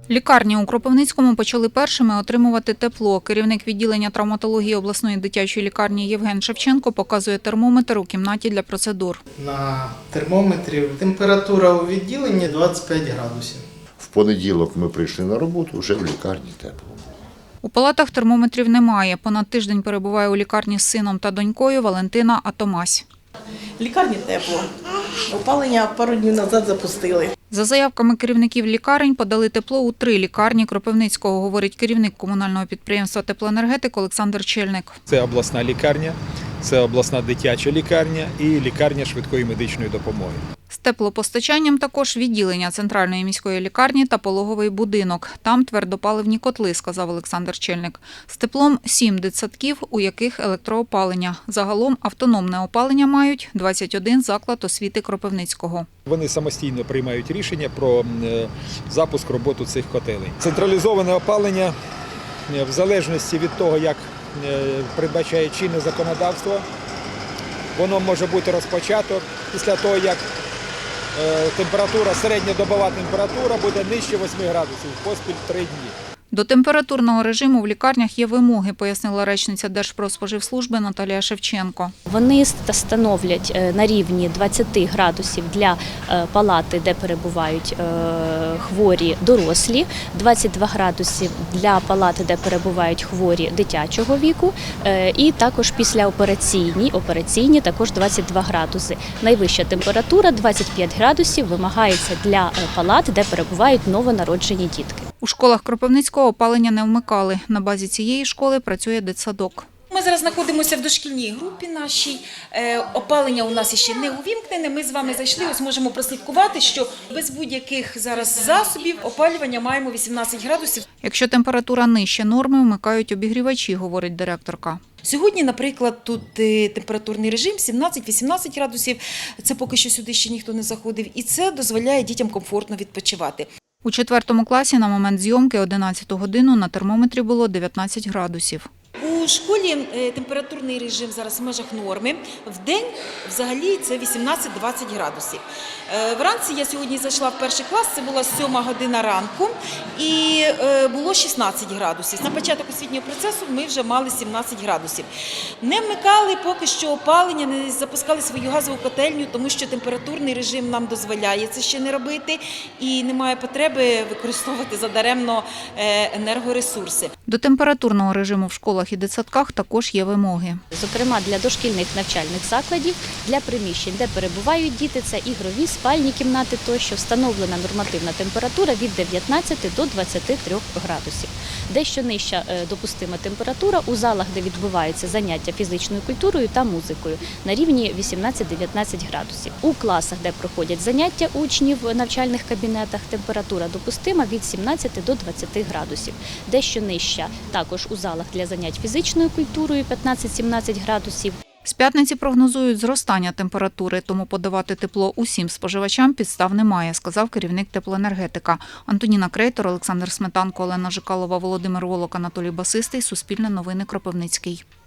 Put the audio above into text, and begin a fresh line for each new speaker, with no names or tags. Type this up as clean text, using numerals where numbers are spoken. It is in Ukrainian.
Лікарні у Кропивницькому почали першими отримувати тепло. Керівник відділення травматології обласної дитячої лікарні Євген Шевченко показує термометр у кімнаті для процедур.
На термометрі температура у відділенні 25 градусів.
В понеділок ми прийшли на роботу, вже в лікарні тепло.
У палатах термометрів немає. Понад тиждень перебуває у лікарні з сином та донькою Валентина Атомась.
В лікарні тепло. Опалення пару днів назад запустили.
За заявками керівників лікарень подали тепло у 3 лікарні Кропивницького, говорить керівник комунального підприємства «Теплоенергетик» Олександр Чельник.
Це обласна лікарня, це обласна дитяча лікарня і лікарня швидкої медичної допомоги.
З теплопостачанням також відділення центральної міської лікарні та пологовий будинок. Там твердопаливні котли, сказав Олександр Чельник. З теплом 7 дитсадків, у яких електроопалення. Загалом автономне опалення мають 21 заклад освіти Кропивницького.
Вони самостійно приймають рішення про запуск роботи цих котелень. Централізоване опалення в залежності від того, як передбачає чинне законодавство, воно може бути розпочато після того, як середньодобова температура буде нижче 8 градусів, поспіль 3 дні.
До температурного режиму в лікарнях є вимоги, пояснила речниця Держпродспоживслужби Наталія Шевченко.
Вони становлять на рівні 20 градусів для палати, де перебувають хворі дорослі, 22 градусів для палати, де перебувають хворі дитячого віку, і також післяопераційні також 22 градуси. Найвища температура 25 градусів вимагається для палат, де перебувають новонароджені дітки.
У школах Кропивницького опалення не вмикали. На базі цієї школи працює дитсадок.
Ми зараз знаходимося в дошкільній групі нашій. Опалення у нас ще не увімкнене. Ми з вами зайшли, ось можемо прослідкувати, що без будь-яких зараз засобів опалювання маємо 18 градусів.
Якщо температура нижче норми, вмикають обігрівачі, говорить директорка.
Сьогодні, наприклад, тут температурний режим 17-18 градусів. Це поки що сюди ще ніхто не заходив. І це дозволяє дітям комфортно відпочивати.
У 4 класі на момент зйомки 11 годину на термометрі було 19 градусів.
У школі температурний режим зараз в межах норми. Вдень взагалі це 18-20 градусів. Вранці я сьогодні зайшла в перший клас, це була 7 година ранку і було 16 градусів. На початок освітнього процесу ми вже мали 17 градусів. Не вмикали поки що опалення, не запускали свою газову котельню, тому що температурний режим нам дозволяє це ще не робити і немає потреби використовувати задаремно енергоресурси.
До температурного режиму в школах і дитсадках також є вимоги.
Зокрема, для дошкільних навчальних закладів, для приміщень, де перебувають діти, це ігрові, спальні кімнати тощо, встановлена нормативна температура від 19 до 23 градусів. Дещо нижча допустима температура у залах, де відбуваються заняття фізичною культурою та музикою, на рівні 18-19 градусів. У класах, де проходять заняття учнів в навчальних кабінетах, температура допустима від 17 до 20 градусів. Дещо нижча також у залах для занять фізичною культурою 15-17 градусів.
З п'ятниці прогнозують зростання температури, тому подавати тепло усім споживачам підстав немає, сказав керівник теплоенергетика. Антоніна Крейтор, Олександр Сметанко, Олена Жикалова, Володимир Волок, Анатолій Басистий. Суспільне новини, Кропивницький.